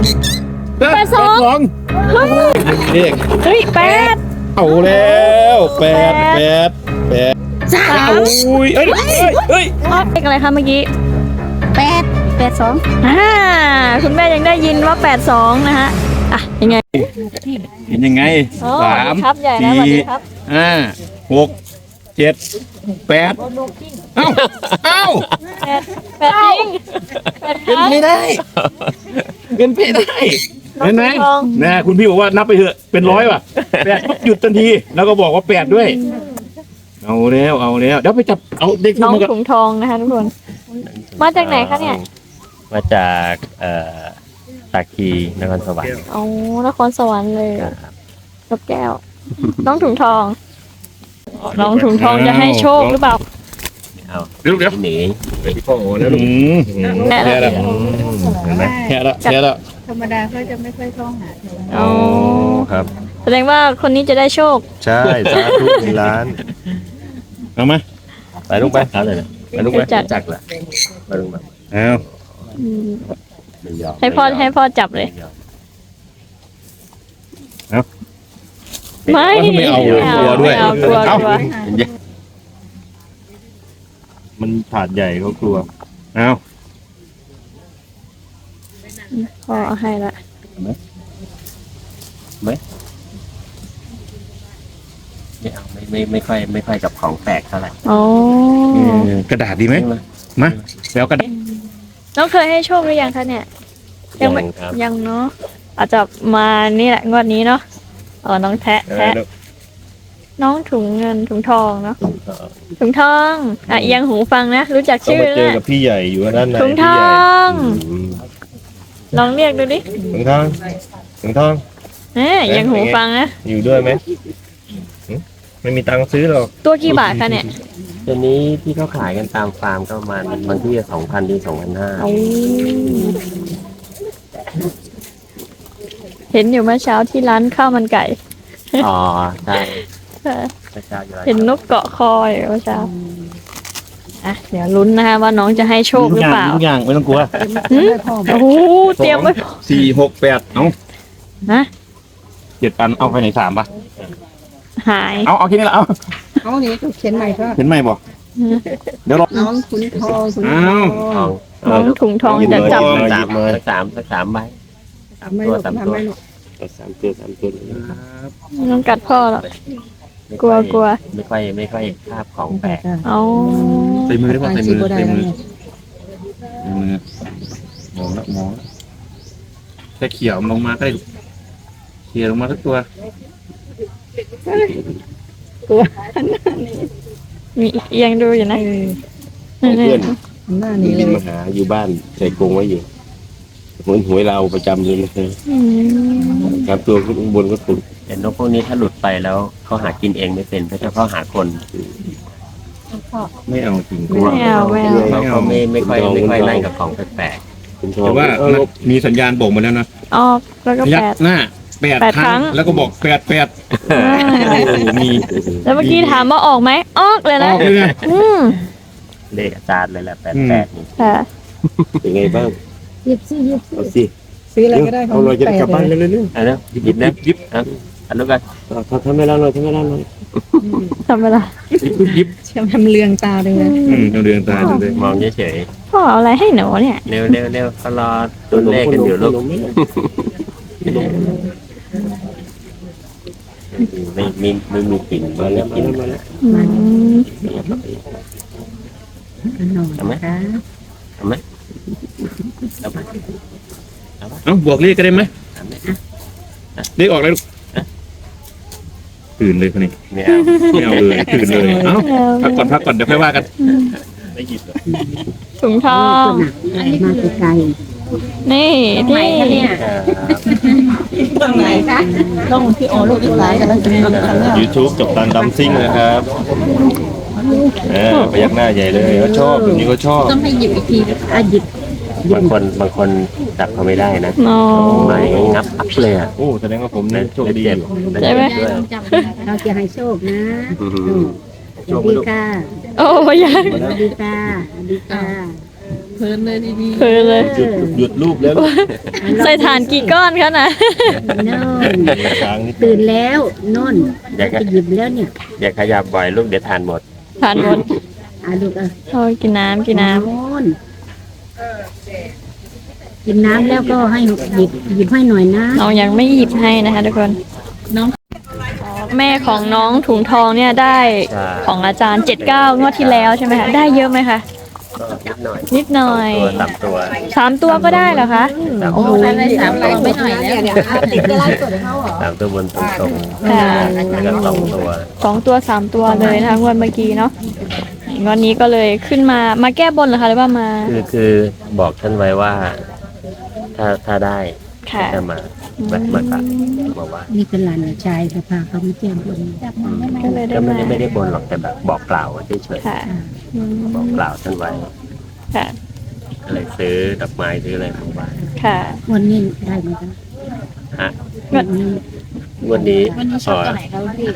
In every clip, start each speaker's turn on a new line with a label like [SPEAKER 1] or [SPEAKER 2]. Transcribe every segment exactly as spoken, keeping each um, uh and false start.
[SPEAKER 1] แปดสองเรียก
[SPEAKER 2] เฮ้ยแปด
[SPEAKER 1] เอาแล้วแปดแปดแปด
[SPEAKER 2] สาม
[SPEAKER 1] อุ้ยเอ้ยเอ้ย
[SPEAKER 2] เลขอะไรคะเมื่อกี้
[SPEAKER 3] แปดแปดสอง
[SPEAKER 2] อ่าคุณแม่ยังได้ยินว่าแปดสองนะฮะอ่ะยังไง
[SPEAKER 1] เห็นยังไง
[SPEAKER 2] อ๋อ
[SPEAKER 1] สาม
[SPEAKER 2] ครับใหญ่นะสวัส
[SPEAKER 1] สี่
[SPEAKER 2] ดีครับ
[SPEAKER 1] ห้าหกเจ็ดแปดเอ้าเอ้า
[SPEAKER 2] แปดแปดจริงแปดค
[SPEAKER 1] เป็น
[SPEAKER 2] รับ
[SPEAKER 1] ไม่ได้เป็นไม่ได้เห็นไหม
[SPEAKER 2] น้องทอง
[SPEAKER 1] นะคุณพี่บอกว่านับไปเถอะเป็นร้อยว่ะแปดปุ๊บหยุดทันที แล้วก็บอกว่าแปดด้วย เอาแล้วเอาแล้วเดี๋ยวไปจับเอาเด็ก
[SPEAKER 2] น้อง
[SPEAKER 1] มากัน
[SPEAKER 2] ถุงทองนะคะทุกคน มาจากไหนคะเนี่ย
[SPEAKER 4] มาจากเอ่อตาคีนครสวรรค์
[SPEAKER 2] อ๋อนครสวรรค์เลยนกแก้ว น้องถุงทอง น้องถุงทองจะให้โชคหรือเปล่า
[SPEAKER 4] เอา
[SPEAKER 1] เดี๋ยวเดี๋ยว
[SPEAKER 4] หนี
[SPEAKER 1] พี่พ่อโอ้แล้วลุง
[SPEAKER 2] แค่ละ
[SPEAKER 4] เห็นไหม
[SPEAKER 1] แค่ละแค่ละ
[SPEAKER 3] ธรรมดาเขาจะไม่ค่อยท่องหาเธอ
[SPEAKER 2] อ๋อ
[SPEAKER 4] ครับ
[SPEAKER 2] แสดงว่าคนนี้จะได้โชค
[SPEAKER 4] ใช่สาธุมีร้าน
[SPEAKER 1] เอามา
[SPEAKER 4] ไปลุกไปเอาเลยนะไปลุกไป
[SPEAKER 2] จัด
[SPEAKER 4] จักละไปลุกมา
[SPEAKER 1] เอา
[SPEAKER 2] อืม
[SPEAKER 4] ไม่ยอม
[SPEAKER 2] ให้พ่อให้พ่อจับเลย ไม่
[SPEAKER 1] ไม่เอาเลยกลัวด้วย
[SPEAKER 2] ไม่เอากลัวกลัว
[SPEAKER 4] มันถาดใหญ่เขากลัว
[SPEAKER 1] เอา
[SPEAKER 2] พ่อเอาให้ละ
[SPEAKER 4] ไม่เอาไม่ไม่ไม่ค่อยไม่ค่อยกับของแปลกเท่าไหร่
[SPEAKER 2] อ๋อก
[SPEAKER 1] ระดาษดีไหมมาแล้วกระดาษ
[SPEAKER 2] น้องเคยให้โชคหรือยังคะเนี่ย ยังไม่
[SPEAKER 4] ครับ
[SPEAKER 2] ยังเนาะอาจจะมานี่แหละงวดนี้เนาะอ๋อน้องแทะแทะน้องถุงเงินถุงทองเนาะถุงทองอ่ะเอียงหูฟังนะรู้จัก
[SPEAKER 4] ต้อง
[SPEAKER 2] ชื่อ
[SPEAKER 4] ไปเจอ
[SPEAKER 2] นะ
[SPEAKER 4] กับพี่ใหญ่อยู่ด้านใน
[SPEAKER 2] ถุงท
[SPEAKER 4] พี่
[SPEAKER 2] อ
[SPEAKER 4] ใหญ่
[SPEAKER 2] ง
[SPEAKER 4] อืม
[SPEAKER 2] ลองเรียกดูดิ
[SPEAKER 4] ถุงทองถุงทอง
[SPEAKER 2] เอ๊ะเอียงหูฟังนะ
[SPEAKER 4] อยู่ด้วยไหมหึไม่มีตังค์ซื้อหรอก
[SPEAKER 2] ตัวกี่บาทคะเนี่ย
[SPEAKER 4] ตัวนี้ที่เขาขายกันตามฟาร์มก็ประมาณบางที่สองพันถึงสองพันห้า
[SPEAKER 2] เอาเห็นอยู่เมื่อเช้าที่ร้านข้าวมันไก่
[SPEAKER 4] อ๋อใช่
[SPEAKER 2] เออ
[SPEAKER 4] พระเจ้าอยู่
[SPEAKER 2] เห็นนกเกาะคออยู่เมื่อเช้าอ่ะเดี๋ยวลุ้นนะคะว่าน้องจะให้โชคหรือเปล่า
[SPEAKER 1] ทุกอย่างไม่ต้องกลัว
[SPEAKER 2] หืมโอ้โหเตรียมไว้
[SPEAKER 1] สี่หกแปดเอา
[SPEAKER 2] นะ
[SPEAKER 1] เจ็ดอันเอาไปไหนสามปะ
[SPEAKER 2] หาย
[SPEAKER 1] เอาเอาแค่นี้ละเอา
[SPEAKER 3] เขานี้ก็เขียนใหม่ก็
[SPEAKER 1] เห็นไหมบ่เดี๋ยวรอ
[SPEAKER 3] น้องขุนทองขุนท
[SPEAKER 1] อ้า
[SPEAKER 3] อ
[SPEAKER 1] ว
[SPEAKER 4] ทอง
[SPEAKER 2] น้องถุงทองจะจับ
[SPEAKER 4] สักสามสักสามสักสามใบ
[SPEAKER 3] ทำไม่หลบทำไม่หลบ
[SPEAKER 4] สักสามตัวสามตัว
[SPEAKER 2] น้องกัดพ่อหรอก กลัวกลัว
[SPEAKER 4] ไม่ค่อยไม่ค่อยคาบของแปลก
[SPEAKER 2] เอา
[SPEAKER 1] ใส่มือได้ป่ะใส่มือ
[SPEAKER 3] ได้
[SPEAKER 1] ใส่
[SPEAKER 3] แล้ว
[SPEAKER 1] มือ
[SPEAKER 3] เนี่ย
[SPEAKER 1] ใส่มือมองละมองละแค่เขี่ยมันลงมาก็ได้เขี่ยลงมาทุกตัว
[SPEAKER 2] มีเอียงดูอยู่นะ
[SPEAKER 3] เออ
[SPEAKER 4] เพื่อน
[SPEAKER 3] หน้านี้เล
[SPEAKER 4] บิน
[SPEAKER 3] ย
[SPEAKER 4] มาหาอยู่บ้านใส่กรงไว้อยู่เหมือนหวยเราประจำเลยนะ
[SPEAKER 2] อืม
[SPEAKER 4] ครับตัวข้างบนก็ถูกแต่นกพวกนี้ถ้าหลุดไปแล้วเขาหากินเองไม่เป็นเขาจะเขาหาคน
[SPEAKER 1] ไม่เอาจริง
[SPEAKER 2] ไม่เอาไม่เอา
[SPEAKER 4] เขาเขาไม่ไม่ค่อยไม่ค่อยไล่กับของแปลกๆคุณทอ
[SPEAKER 1] แต่
[SPEAKER 4] ง
[SPEAKER 1] ว่ามันมีสัญญาณบอกมาแล้วนะ
[SPEAKER 2] ออกแล้วก็
[SPEAKER 1] ยั
[SPEAKER 2] แป
[SPEAKER 1] ก
[SPEAKER 2] ด
[SPEAKER 1] หน้าแปด
[SPEAKER 2] แปด
[SPEAKER 1] ครั้ง
[SPEAKER 2] ครั้ง
[SPEAKER 1] แล้วก็บอกแปดแปด
[SPEAKER 2] อ่า
[SPEAKER 1] โอ้โหมี
[SPEAKER 2] แล้วเมื่อกี้ถามว่าออกไหมออกเลย
[SPEAKER 1] อ
[SPEAKER 2] นะ
[SPEAKER 1] อกเลยนะ
[SPEAKER 2] อืม
[SPEAKER 4] เลขอาจารย์เลยแหละแปดแปดนี่
[SPEAKER 2] ค่ะ
[SPEAKER 4] เป็นไงบ้าง
[SPEAKER 3] หยิบสิหยิบสิ
[SPEAKER 4] เอาสิ
[SPEAKER 3] ซื้ออะไรก็ได้ของ
[SPEAKER 4] เอาเลยจะได้กลับบ้าน
[SPEAKER 3] แปด
[SPEAKER 4] เร็วๆๆอ่ะนะหยิบนะ
[SPEAKER 1] ยิบ
[SPEAKER 4] อ่ะอันนู้นกันทำให้เราหน่อยทำให้เราหน่อย
[SPEAKER 2] ทำเวลา
[SPEAKER 1] ยิบยิบ
[SPEAKER 3] เชื่อมทำเรืองตาเลยนะ
[SPEAKER 1] อืมเราเดือนตาดูเลย
[SPEAKER 4] มองเฉย
[SPEAKER 2] พ่อเอาอะไรให้หนูเนี่ย
[SPEAKER 4] ๆเร็วเร็วเร็วเขารอตัวเลขกันอยู่ลูกไม่ไม่ไม่มีกลิ่นไม่มีกลิ่น
[SPEAKER 2] อืม
[SPEAKER 4] ทำไหมทำไหมทำไหม
[SPEAKER 1] เอ้าบวกเลขก็ได้ไหม
[SPEAKER 4] ทำไหม
[SPEAKER 1] เลขออกเลยลูกตื่นเลยคนนี้
[SPEAKER 4] ไม่เอา
[SPEAKER 1] ไม่เอาเลยตื่นเลยเอ้าพักก่อนพักก่อนเดี๋ยวค่อยว่ากัน
[SPEAKER 4] ไม่หยิบหรอก
[SPEAKER 2] ถุงทอง
[SPEAKER 3] มาไกล
[SPEAKER 2] นี่ที่
[SPEAKER 3] ตรงไหนคะตรงที่โอลูกที่ไหนกันแล้วจะมีคำว่า
[SPEAKER 4] ยูทูบจบตันดัมซิ่งนะครับเออพยักหน้าใหญ่เลยเขาชอบแบบนี้เขาชอบ
[SPEAKER 3] ต้องให้หยิบอีกทีอ่ะหยิบบ
[SPEAKER 4] างคนบางคนจับเขาไม่ได้นะ
[SPEAKER 2] อ๋อ
[SPEAKER 4] ไม่งับอัพเลยอ่ะ
[SPEAKER 1] โอ้แสดงว่าผมเนี่ยโชคดี
[SPEAKER 4] เจ็บ
[SPEAKER 2] ใช่ไหม
[SPEAKER 4] ด้วย
[SPEAKER 3] เราจะให้โชคนะ
[SPEAKER 4] อืม
[SPEAKER 3] สวัสดีค่ะ
[SPEAKER 2] โอ้ยัง
[SPEAKER 3] สวัสดีค่ะสวัสดีค่ะเพลินเลยดี
[SPEAKER 2] เพลินเลย
[SPEAKER 1] หยุดหยุดรูปแล้ว
[SPEAKER 2] ใส่ถ่านกี่ก้อนคะน่ะ
[SPEAKER 5] โน่น
[SPEAKER 4] ค้างนิด
[SPEAKER 5] ตื่นแล้วโน่น
[SPEAKER 4] อย่า
[SPEAKER 5] ไปหยิบแล้วเนี่ย
[SPEAKER 4] อย่าขยับบ่อยลูกเดี๋ยวทานหมด
[SPEAKER 2] ทานหมด
[SPEAKER 5] อ่ะลูกเออ
[SPEAKER 2] โอ้ยกินน้ำกินน้
[SPEAKER 5] โน่นกินน้ำแล้วก็ให้หยิบหยิบให้หน่อยนะ
[SPEAKER 2] ำน้องยังไม่หยิบให้นะคะทุกคน
[SPEAKER 3] น้อง
[SPEAKER 2] แม่ของน้องถุงทองเนี่ยได้
[SPEAKER 4] ใช่
[SPEAKER 2] ของอาจารย์เจ็ดเก้างวดที่แล้วใช่ไหมคะได้เยอะไหมคะ
[SPEAKER 4] ก็นิดหน่อย
[SPEAKER 2] นิดหน่อย
[SPEAKER 4] ตัวตับตัว
[SPEAKER 2] สามตัวก็ได้เหรอคะ
[SPEAKER 4] ตับ
[SPEAKER 2] โอ้โห
[SPEAKER 3] อะไรสามตัวไม่หน่อยแล้ว
[SPEAKER 4] สามตัวบนตรงตรง
[SPEAKER 2] ค่ะ
[SPEAKER 4] แล้วก็สองตัว
[SPEAKER 2] สองตัวสามตัวเลยนะคะงวดเมื่อกี้เนาะงวดนี้ก็เลยขึ้นมามาแก้บนเหรอคะหรือว่ามา
[SPEAKER 4] คือคือบอกท่านไว้ว่า ถ้าถ้าได้
[SPEAKER 2] ค่ะ
[SPEAKER 4] จะมาแบบมาตัดบอกว่า
[SPEAKER 5] นี่เป็นหลานชายเขาพาเขามาเจียมบน
[SPEAKER 2] ก็เลยได้
[SPEAKER 4] ก็ไม่
[SPEAKER 2] มา
[SPEAKER 4] ได้ไม่ได้บนหรอกแต่แบบบอกกล่าวเฉย
[SPEAKER 2] ค่ะอืม
[SPEAKER 4] ๆบอกกล่าวท่านไว้
[SPEAKER 2] ค่ะ
[SPEAKER 4] ก็เลยซื้อดอกไม้ซื้ออะไรมาไหว้
[SPEAKER 2] ค่ะ
[SPEAKER 5] วันนี้ได้ไหมคะ
[SPEAKER 4] ฮะ
[SPEAKER 5] วันนี้
[SPEAKER 4] วันนี้
[SPEAKER 3] วันนี้ชอบตัวไหนครับพี่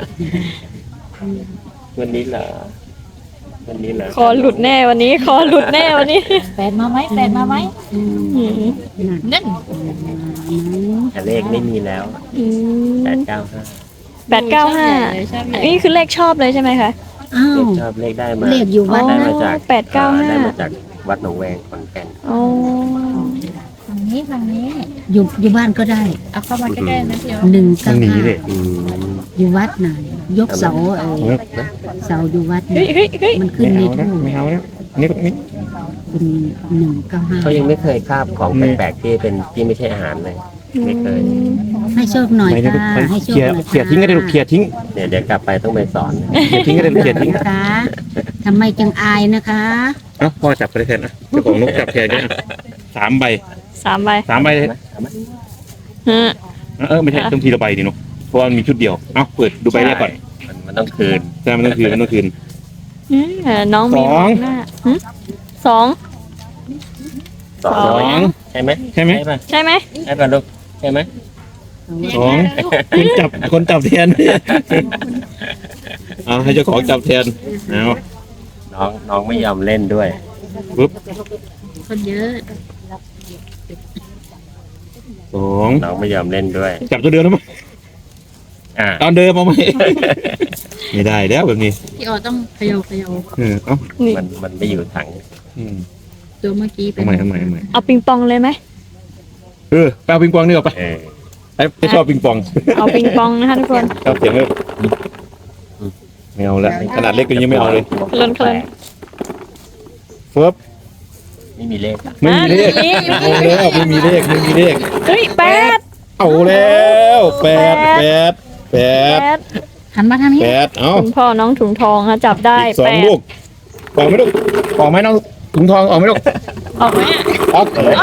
[SPEAKER 4] วันนี้เหรอวันนี้เหรอ
[SPEAKER 2] คอหลุดแน่วันนี้คอหลุดแน่วันนี้
[SPEAKER 3] แฟนมาไหมแฟนมาไหม
[SPEAKER 5] อืม
[SPEAKER 2] อืม
[SPEAKER 5] นั่น
[SPEAKER 3] นั่น
[SPEAKER 4] แต่เลขไม่มีแล้ว
[SPEAKER 2] อืม
[SPEAKER 4] แปดเก้าห้า
[SPEAKER 2] แปดเก้าห้านี่คือเลขชอบเลยใช่ไหมคะ
[SPEAKER 5] อ้า
[SPEAKER 4] เล
[SPEAKER 5] ว
[SPEAKER 4] ขชอบเลขได้มา
[SPEAKER 5] เลขอยู่วัด
[SPEAKER 4] ได้
[SPEAKER 5] นะ
[SPEAKER 4] มาจาก
[SPEAKER 2] แปดเก้าห้า
[SPEAKER 4] ได้มาจากวัดหนองแวงขอนแก่น
[SPEAKER 2] โอ้
[SPEAKER 3] ฝั่งนี้ฝั่งนี้
[SPEAKER 5] อยู่อยู่บ้านก็ได้
[SPEAKER 3] เอาเข้ามาใกล้ๆนะพี่อ๋อ
[SPEAKER 5] หนึ่งเก้าห้า
[SPEAKER 4] อืม
[SPEAKER 5] อยู่วัดไหนยกเสาเออเสาอยู่วัด
[SPEAKER 2] เฮ้ย
[SPEAKER 5] เนี่ย
[SPEAKER 2] เฮ้ยเฮ้ย
[SPEAKER 5] มันขึ้นในทูบ
[SPEAKER 1] ไม่เอาแล้วนี่นี่
[SPEAKER 5] เป็นหนึ่งเก้าห้า
[SPEAKER 4] เขายังไม่เคยคาบของแปลกๆที่เป็นที่ไม่ใช่อาหารเลย ไม่เคย
[SPEAKER 5] ให้โชคหน่อย
[SPEAKER 1] ไม่ได้
[SPEAKER 5] ค่ะให้โชค
[SPEAKER 1] เขี่ย
[SPEAKER 5] หน่อย
[SPEAKER 1] เขี่ยทิ้งก็ได้ลูกเขี่ยทิ้ง
[SPEAKER 4] เดี๋ยวเดี๋ยวกลับไปต้องไปสอน
[SPEAKER 1] เขี่ยทิ้งก็ได้ลูกเขี่ยทิ้ง
[SPEAKER 5] นะคะทำไมจังอายนะคะ
[SPEAKER 1] เอ้าพ่อจับไปเลยแทนนะเจ้าของนกจับแทนเนี่ยสามใบ
[SPEAKER 2] สามใบ
[SPEAKER 1] สามใบเลย
[SPEAKER 2] ฮะ
[SPEAKER 1] เออไม่ใช่ต้องทีละใบดิเนาะเพราะว่ามันมีชุดเดียวเอ้าเปิดดูใบแรกก่อน
[SPEAKER 4] มันมันต้องคืน
[SPEAKER 1] ใช่มันต้องคืนมันต้องคืน
[SPEAKER 2] อืมเออน้องมี
[SPEAKER 1] สอง
[SPEAKER 2] หน้าหึสอง
[SPEAKER 4] สอ
[SPEAKER 1] สอง ง
[SPEAKER 4] ใช่ไหม
[SPEAKER 1] ใช่ไหม
[SPEAKER 4] ป่ะ
[SPEAKER 2] ใช่ไหม
[SPEAKER 4] ใช่ป่ะลูกใช่ไหม
[SPEAKER 1] สองคนจับคนจับแทนเอาให้เจ้าของจับแทนเอา
[SPEAKER 4] น้องน้องไม่ยอมเล่นด้วย
[SPEAKER 1] ปุ๊บ
[SPEAKER 5] คนเยอะ
[SPEAKER 1] สอง
[SPEAKER 4] น้องไม่ยอมเล่นด้วย
[SPEAKER 1] จับตัวเดิมแล้วมั้ย
[SPEAKER 4] อ่า
[SPEAKER 1] ตอนเดิมเอาไหมไม่ได้แล้วแบบนี้
[SPEAKER 3] พี่อ๋อต้องเขย่าเขย่า
[SPEAKER 1] เออเอ้า
[SPEAKER 2] นี่
[SPEAKER 4] มันมันไม่อยู่ถัง
[SPEAKER 1] อืม
[SPEAKER 3] ตัวเมื่อกี้เป็
[SPEAKER 1] ทำ
[SPEAKER 3] น
[SPEAKER 1] ไมทำไมทำไม
[SPEAKER 2] เอาปิงปองเลยไหม
[SPEAKER 1] เออไปเอาปิงปองนี่ออกไป
[SPEAKER 4] เออ
[SPEAKER 1] ไอ้ไม่ชอบปิงปอง
[SPEAKER 2] เอาปิงปองนะคะทุกคน
[SPEAKER 1] ชอบเสียงเลยไม่เอาละขนาดเล็กก็ยังไม่เอาเลย
[SPEAKER 2] เคลื่อนเคลื่อน
[SPEAKER 1] เฟิร์บ
[SPEAKER 4] ไม่มีเลขอะ
[SPEAKER 1] ไม่มีเลข
[SPEAKER 2] อ่ะ
[SPEAKER 1] เอาแล้วไม่มีเลขไม่มีเลข
[SPEAKER 2] เฮ้ยแปด
[SPEAKER 1] เอาแล้วแปดแปดแป
[SPEAKER 2] แป
[SPEAKER 1] ด
[SPEAKER 2] ด
[SPEAKER 3] หันมาทางนี้
[SPEAKER 1] แปดเอ้า
[SPEAKER 2] คุณพ่อน้องถุงทองค่ะจับได้
[SPEAKER 1] อีกสอ
[SPEAKER 2] แป
[SPEAKER 1] ง
[SPEAKER 2] ด
[SPEAKER 1] ลูกออกไหมลูกออกไหมน้องถุงทองออกไหมลูก
[SPEAKER 2] ออกไหมอะ
[SPEAKER 1] ออก
[SPEAKER 4] เอาไหน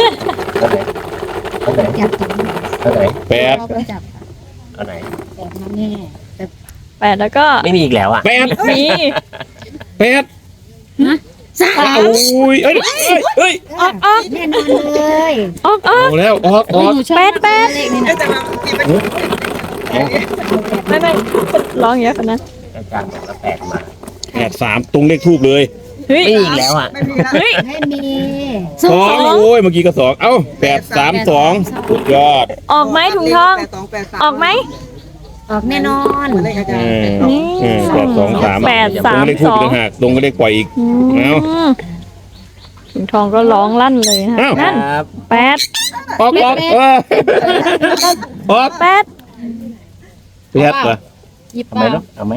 [SPEAKER 4] เอาไหน
[SPEAKER 5] จับตัว
[SPEAKER 4] เอาไหน
[SPEAKER 1] แปด
[SPEAKER 5] เราไปจับ
[SPEAKER 4] เอาไหน
[SPEAKER 5] แต่มาแน่แต่
[SPEAKER 2] แปดแล้วก็
[SPEAKER 4] ไม่มีอีกแล้วอ่ะ
[SPEAKER 1] แปด
[SPEAKER 2] มี
[SPEAKER 1] แปด
[SPEAKER 5] สา
[SPEAKER 1] โอ้ยเอ้ยเอ้ยเอ้ย
[SPEAKER 2] ออกออก
[SPEAKER 5] แน่นอนเลย
[SPEAKER 2] ออกออก
[SPEAKER 1] เอาแล้วออกออก
[SPEAKER 2] แปดแปดไม่ไม่ร้องเยอะขนาดนั้น
[SPEAKER 4] อาจารย์บอกว่าแปดมา
[SPEAKER 1] แปดสามตรงเลขทูบเลย
[SPEAKER 2] เฮ้ย
[SPEAKER 4] ไม่มีอีกแล้วอ่ะ
[SPEAKER 2] เฮ้ย
[SPEAKER 5] ไม่มี
[SPEAKER 1] สองโอ้ยเมื่อกี้ก็สองเอ้าแปดสามสองสุดยอด
[SPEAKER 2] ออกไหมถุงทองออกไหม
[SPEAKER 5] ออกแน่นอน
[SPEAKER 1] เออเออแปดสองสาม
[SPEAKER 2] แปด
[SPEAKER 1] ตร
[SPEAKER 2] สาง ม
[SPEAKER 1] เลขทู
[SPEAKER 2] ส
[SPEAKER 1] บ
[SPEAKER 2] อง
[SPEAKER 1] ต่างหากตรงก็เลขปล่อยอีก
[SPEAKER 2] อื
[SPEAKER 1] เอา
[SPEAKER 2] มถุงทองก็ร้องลั่นเลยนะ
[SPEAKER 1] อ้าว
[SPEAKER 2] นั่น
[SPEAKER 4] ครับ
[SPEAKER 2] แปด
[SPEAKER 1] ออกออกเออออก
[SPEAKER 2] แปด
[SPEAKER 1] แปดเหรอ
[SPEAKER 3] หยิบ
[SPEAKER 4] เอาไหม
[SPEAKER 3] มา
[SPEAKER 4] ลูกเอาไหม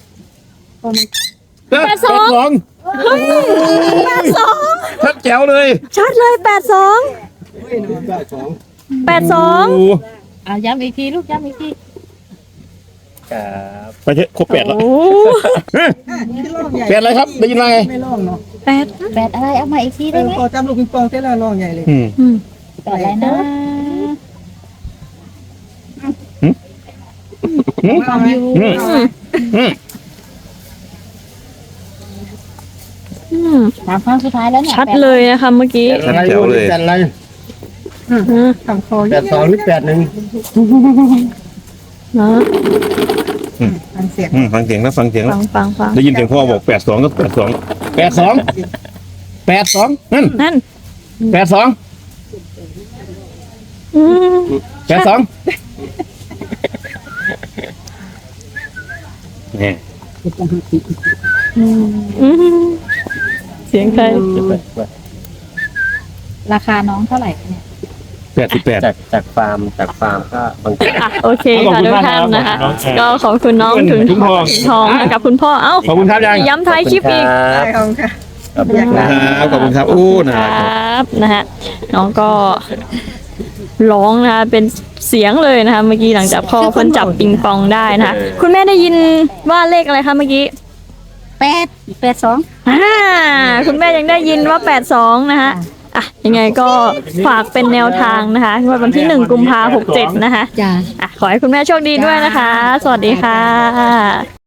[SPEAKER 1] แปดสองแปดสองชัดแจ๋วเลย
[SPEAKER 2] ชัดเลยแปดสองแปดสอง
[SPEAKER 1] โอ้
[SPEAKER 3] เอาย้ำอีกทีลูกย้ำอีกที
[SPEAKER 4] ครับ
[SPEAKER 1] ไปเถอะครบแปดแล้ว
[SPEAKER 2] โอ้
[SPEAKER 1] แปดอะไรครับได้ยินว่าไง
[SPEAKER 6] ไม่ร้องเนาะ
[SPEAKER 2] แปด
[SPEAKER 3] แปดอะไรเอามาอีกที
[SPEAKER 6] เอ
[SPEAKER 3] ได้
[SPEAKER 6] อ
[SPEAKER 3] ไหม
[SPEAKER 6] พอจำลูกปิงปองเท่าไรร้องใหญ่เลย
[SPEAKER 1] อืม
[SPEAKER 2] อืม
[SPEAKER 3] แปดอะไรนะ
[SPEAKER 6] ฟังอยู่
[SPEAKER 1] อืมอืม
[SPEAKER 2] อืม
[SPEAKER 3] สามครั้งสุดท้ายแล้วเนี่ย
[SPEAKER 2] ชัดเลยนะคะเมื่อกี้
[SPEAKER 1] ชัดแจ๋วเลย
[SPEAKER 4] แปดอะไร
[SPEAKER 2] อืม
[SPEAKER 6] ทำคอ
[SPEAKER 4] แปดสองหรือแปดหนึ่ง
[SPEAKER 2] เนาะ
[SPEAKER 6] ฟังเสียง
[SPEAKER 1] อืมฟังเสียงแล้วฟังเสียงแล้
[SPEAKER 2] ฟั
[SPEAKER 1] ว
[SPEAKER 2] งฟังฟัง
[SPEAKER 1] ได้ยินเสียงพ่อบอกแปดสองก็แปดสองแปดสองแปดสองนั่น
[SPEAKER 2] นั่น
[SPEAKER 1] แปดสอง
[SPEAKER 2] อืม
[SPEAKER 1] แปดสองเนี่ย
[SPEAKER 2] อืมเสียงใคร
[SPEAKER 5] ราคาน้องเท่าไหร่เนี่ย
[SPEAKER 1] แปดสิบแปด
[SPEAKER 4] จากจากฟาร์มจากฟาร์มก็บางที
[SPEAKER 2] อ่ะโอเค
[SPEAKER 1] ขอบ
[SPEAKER 2] ค่ะ
[SPEAKER 1] คุณ
[SPEAKER 2] ทุก
[SPEAKER 1] มาก
[SPEAKER 2] ท่าน
[SPEAKER 1] ครับ
[SPEAKER 2] นะคะ
[SPEAKER 1] น้องแชร์
[SPEAKER 2] ก็ขอบคุณน้องถึง
[SPEAKER 1] ถุงทอง
[SPEAKER 2] ถึงทองกับคุณพ่อเอ้า
[SPEAKER 1] ขอบคุณครับยัง
[SPEAKER 2] ย้ำท้ายคลิปอีก
[SPEAKER 6] ได้ครับค่ะ
[SPEAKER 4] ครับ
[SPEAKER 6] อยากได้
[SPEAKER 1] ครับขอบคุณครับอู้
[SPEAKER 2] ค
[SPEAKER 1] นะ
[SPEAKER 2] รับนะฮะน้องก็ร้องนะคะเป็นเสียงเลยนะคะเมื่อกี้หลังจากพ่อเพิ่นจับปิงปองได้นะคะคุณแม่ได้ยินว่าเลขอะไรคะเมื่อกี้
[SPEAKER 5] แปดแปดสอง
[SPEAKER 2] อ่าคุณแม่ยังได้ยินว่าแปดสองนะคะอ่ะยังไงก็ฝากเป็นแนวทางนะคะงวดวันที่หนึ่งกุมภาพันธ์หกเจ็ดนะคะ
[SPEAKER 5] จ้า
[SPEAKER 2] อ่ะขอให้คุณแม่โชคดีด้วยนะคะ สวัสดีค่ะ